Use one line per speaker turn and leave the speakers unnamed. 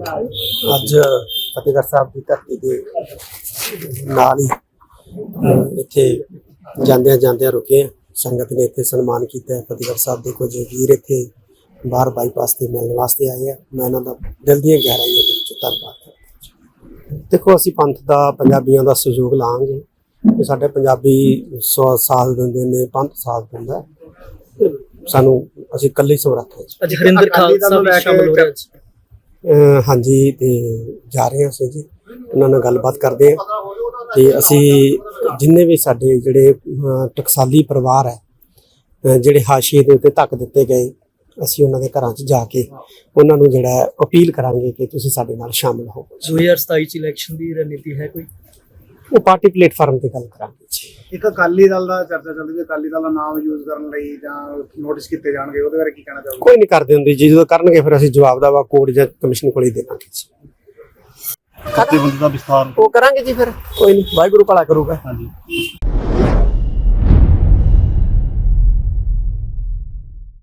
ਅੱਜ ਫਤਿਹਗੜ੍ਹ ਸਾਹਿਬ ਦੀ ਧਰਤੀ ਦੇ ਨਾਲ ਹੀ ਇੱਥੇ ਜਾਂਦਿਆਂ ਰੁਕੇ ਹਾਂ। ਸੰਗਤ ਨੇ ਇੱਥੇ ਸਨਮਾਨ ਕੀਤਾ ਹੈ। ਫਤਿਹਗੜ੍ਹ ਸਾਹਿਬ ਦੇ ਕੁਝ ਵੀਰ ਇੱਥੇ ਬਾਹਰ ਬਾਈਪਾਸ ਤੇ ਮਿਲਣ ਵਾਸਤੇ ਆਏ ਆ। ਮੈਂ ਇਹਨਾਂ ਦਾ ਦਿਲ ਦੀਆਂ ਗਹਿਰਾਈਆਂ ਦੇ ਵਿੱਚ ਧੰਨਵਾਦ ਕਰਦਾ। ਦੇਖੋ, ਅਸੀਂ ਪੰਥ ਦਾ, ਪੰਜਾਬੀਆਂ ਦਾ ਸਹਿਯੋਗ ਲਾਂਗੇ ਕਿ ਸਾਡੇ ਪੰਜਾਬੀ ਸਾਥ ਦਿੰਦੇ ਨੇ, ਪੰਥ ਸਾਥ ਦਿੰਦਾ। ਸਾਨੂੰ ਅਸੀਂ ਇਕੱਲੇ ਸਮਰੱਥ ਹਾਂ।
ਅੱਜ ਹਰਿੰਦਰ ਖਾਲਸਾ ਵੀ ਸ਼ਾਮਲ ਹੋ ਰਿਹਾ।
ਹਾਂਜੀ, ਤੇ ਜਾ ਰਹੇ ਹਾਂ ਅਸੀਂ ਜੀ, ਉਹਨਾਂ ਨਾਲ ਗੱਲਬਾਤ ਕਰਦੇ ਹਾਂ ਤੇ ਅਸੀਂ ਜਿੰਨੇ ਵੀ ਸਾਡੇ ਜਿਹੜੇ ਟਕਸਾਲੀ ਪਰਿਵਾਰ ਹੈ, ਜਿਹੜੇ ਹਾਸ਼ੀਏ ਦੇ ਉੱਤੇ ਧੱਕ ਦਿੱਤੇ ਗਏ, ਅਸੀਂ ਉਹਨਾਂ ਦੇ ਘਰਾਂ 'ਚ ਜਾ ਕੇ ਉਹਨਾਂ ਨੂੰ ਜਿਹੜਾ ਅਪੀਲ ਕਰਾਂਗੇ ਕਿ ਤੁਸੀਂ ਸਾਡੇ ਨਾਲ ਸ਼ਾਮਲ ਹੋ।
2027 ਚ ਇਲੈਕਸ਼ਨ ਦੀ ਰਣਨੀਤੀ ਹੈ ਕੋਈ?
ਉਹ ਪਾਰਟੀ ਪਲੇਟਫਾਰਮ ਤੇ ਗੱਲ ਕਰਾਂਗੇ ਜੀ।
ਇੱਕ ਅਕਾਲੀ ਦਲ ਦਾ ਚਰਚਾ ਚੱਲਦੀ ਹੈ, ਅਕਾਲੀ ਦਲ ਦਾ ਨਾਮ ਯੂਜ਼ ਕਰਨ ਲਈ ਜਾਂ ਨੋਟਿਸ ਕੀਤੇ ਜਾਣਗੇ, ਉਹਦੇ ਬਾਰੇ ਕੀ ਕਹਿਣਾ ਚਾਹੋਗੇ?
ਕੋਈ ਨਹੀਂ ਕਰਦੇ ਹੁੰਦੇ ਜੀ, ਜਦੋਂ ਕਰਨਗੇ ਫਿਰ ਅਸੀਂ ਜਵਾਬ ਦਾ ਕੋਰਟ ਜਾਂ ਕਮਿਸ਼ਨ ਕੋਲ ਹੀ ਦੇਵਾਂਗੇ ਜੀ।
ਜਥੇਬੰਦੀ ਦਾ ਵਿਸਥਾਰ
ਉਹ ਕਰਾਂਗੇ ਜੀ, ਫਿਰ ਕੋਈ ਨਹੀਂ, ਵਾਹਿਗੁਰੂ ਭਲਾ ਕਰੂਗਾ।
ਹਾਂਜੀ।